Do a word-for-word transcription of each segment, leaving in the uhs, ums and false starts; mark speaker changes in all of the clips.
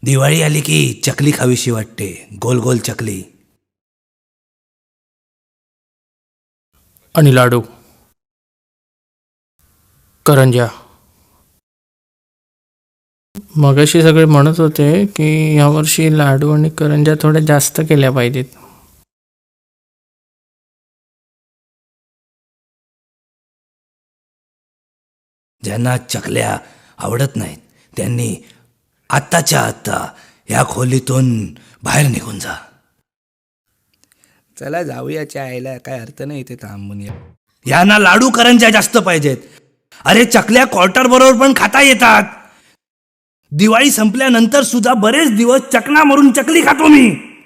Speaker 1: दिवाळी आली की चकली खावीशी वाटते, गोल गोल चकली.
Speaker 2: आणि लाडू, करंज्या. मगाशी सगळे म्हणत होते की यावर्षी लाडू आणि करंज्या थोड्या जास्त केल्या पाहिजेत.
Speaker 1: ज्यांना चकल्या आवडत नाहीत त्यांनी आत्ताच्या आत्ता या खोलीतून बाहेर निघून जा. चला जाऊया चायला, काय अर्थ नाही इथे थांबून. या यांना लाडू करंज्या जास्त पाहिजेत. अरे चकल्या क्वार्टर बरोबर पण खाता येतात. दिवाळी संपल्यानंतर सुद्धा बरेच दिवस चकना मारून चकली खातो मी.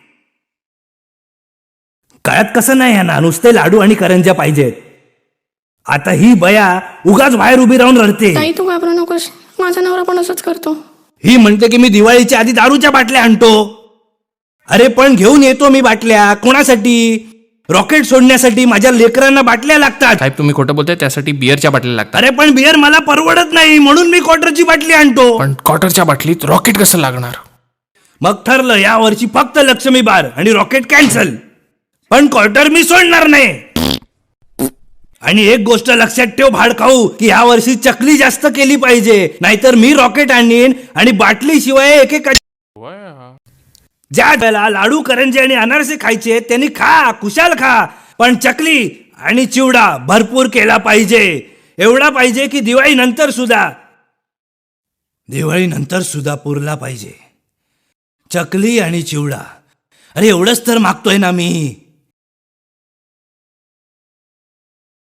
Speaker 1: कळत कसं नाही यांना, नुसते लाडू आणि करंज्या पाहिजेत. आता ही बया उगाच बाहेर उभी राहून रडते.
Speaker 3: ताई तू घाबरू नकोस, माझा नवरा पण असंच करतो.
Speaker 1: ही म्हणते की मी दिवाळीच्या आधी दारूच्या बाटल्या आणतो. अरे पण घेऊन येतो मी बाटल्या कोणासाठी? रॉकेट सोडण्यासाठी. माझ्या लेकरांना बाटल्या लागतात.
Speaker 2: साहेब तुम्ही खोटं बोलताय, त्यासाठी बिअरच्या बाटल्या लागतात.
Speaker 1: अरे पण बियर मला परवडत नाही म्हणून मी क्वार्टरची बाटली आणतो.
Speaker 2: पण क्वार्टरच्या बाटलीत रॉकेट कसं लागणार?
Speaker 1: मग ठरलं, या वर्षी फक्त लक्ष्मी बार आणि रॉकेट कॅन्सल. पण क्वार्टर मी सोडणार नाही. आणि एक गोष्ट लक्षात ठेव भाडखाऊ, की या वर्षी चकली जास्त केली पाहिजे, नाहीतर मी रॉकेट आणीन आणि बाटली शिवाय एक एक. ज्या वेळेला लाडू करंजे आणि अनारसे खायचे त्यांनी खा, कुशाल खा, पण चकली आणि चिवडा भरपूर केला पाहिजे. एवढा पाहिजे की दिवाळी नंतर सुद्धा दिवाळी नंतर सुद्धा पुरला पाहिजे. चकली आणि चिवडा. अरे एवढंच तर मागतोय ना मी.